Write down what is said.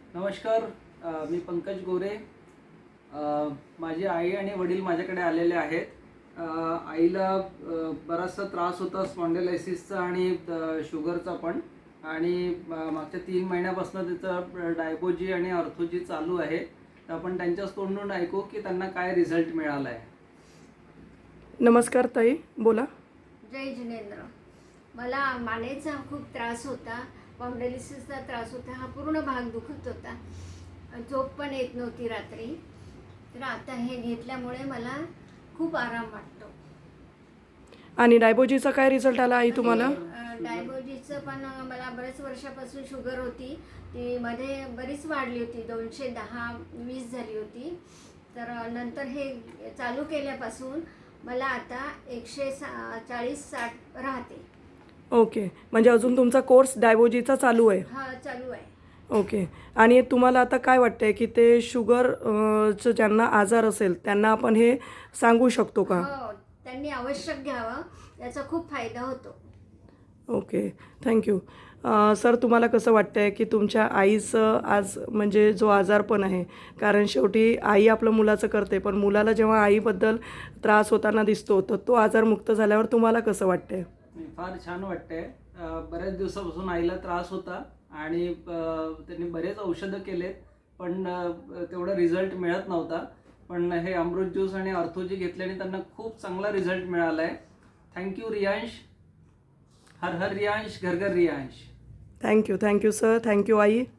नमस्कार. मी पंकज गोरे. माझी आई आणि वडील माझ्याकडे आलेले आहेत. आईला बराचसा त्रास होता स्पॉन्डिलायसिसचा आणि शुगरचा पण, आणि मागच्या 3 महिन्यापासून त्याचं डायबोजी आणि ऑर्थोजी चालू आहे. तर आपण त्यांच्याच तोंडून ऐकू की त्यांना काय रिझल्ट मिळाला आहे. नमस्कार ताई, बोला. जय जिनेंद्र. मला मानेचा खूप त्रास होता, स्पॉन्डिलायसिसचा त्रास होता. हा पूर्ण भाग दुखत होता, झोप पण येत नव्हती रात्री. तर आता हे घेतल्यामुळे मला खूप आराम वाटतो. आणि डायबोजीचा काय रिझल्ट आला आई तुम्हाला? डायबोजीचं पण मला बरेच वर्षापासून शुगर होती, ती मध्ये बरीच वाढली होती, 210-20 झाली होती. तर नंतर हे चालू केल्यापासून मला आता 140-60 राहते. ओके, म्हणजे अजून तुमचा कोर्स डायबोजीचा चालू आहे? हा, चालू आहे. ओके. आणि तुम्हाला आता काय वाटतंय की ते शुगरचं ज्यांना आजार असेल त्यांना आपण हे सांगू शकतो का? हो, त्यांनी आवश्यक घ्यावं, त्याचा खूप फायदा होतो. Okay, thank you. सर, तुम्हाला कसं वाटतंय की तुमच्या आईचं आज म्हणजे जो आजारपण आहे, कारण शेवटी आई आपलं मुलाचं करते, पण मुलाला जेव्हा आईबद्दल त्रास होताना दिसतो तर तो आजारमुक्त झाल्यावर तुम्हाला कसं वाटतंय? फार छान वाटतंय. बऱ्याच दिवसापासून आईला त्रास होता आणि त्यांनी बरेच औषधं केलेत, पण तेवढा रिझल्ट मिळत नव्हता. पण हे अमृत ज्यूस आणि ऑर्थोजी घेतल्याने त्यांना खूप चांगला रिझल्ट मिळाला आहे. थँक्यू रियांश. हर हर रियांश, घर घर रियांश. थँक्यू सर, थँक्यू आई.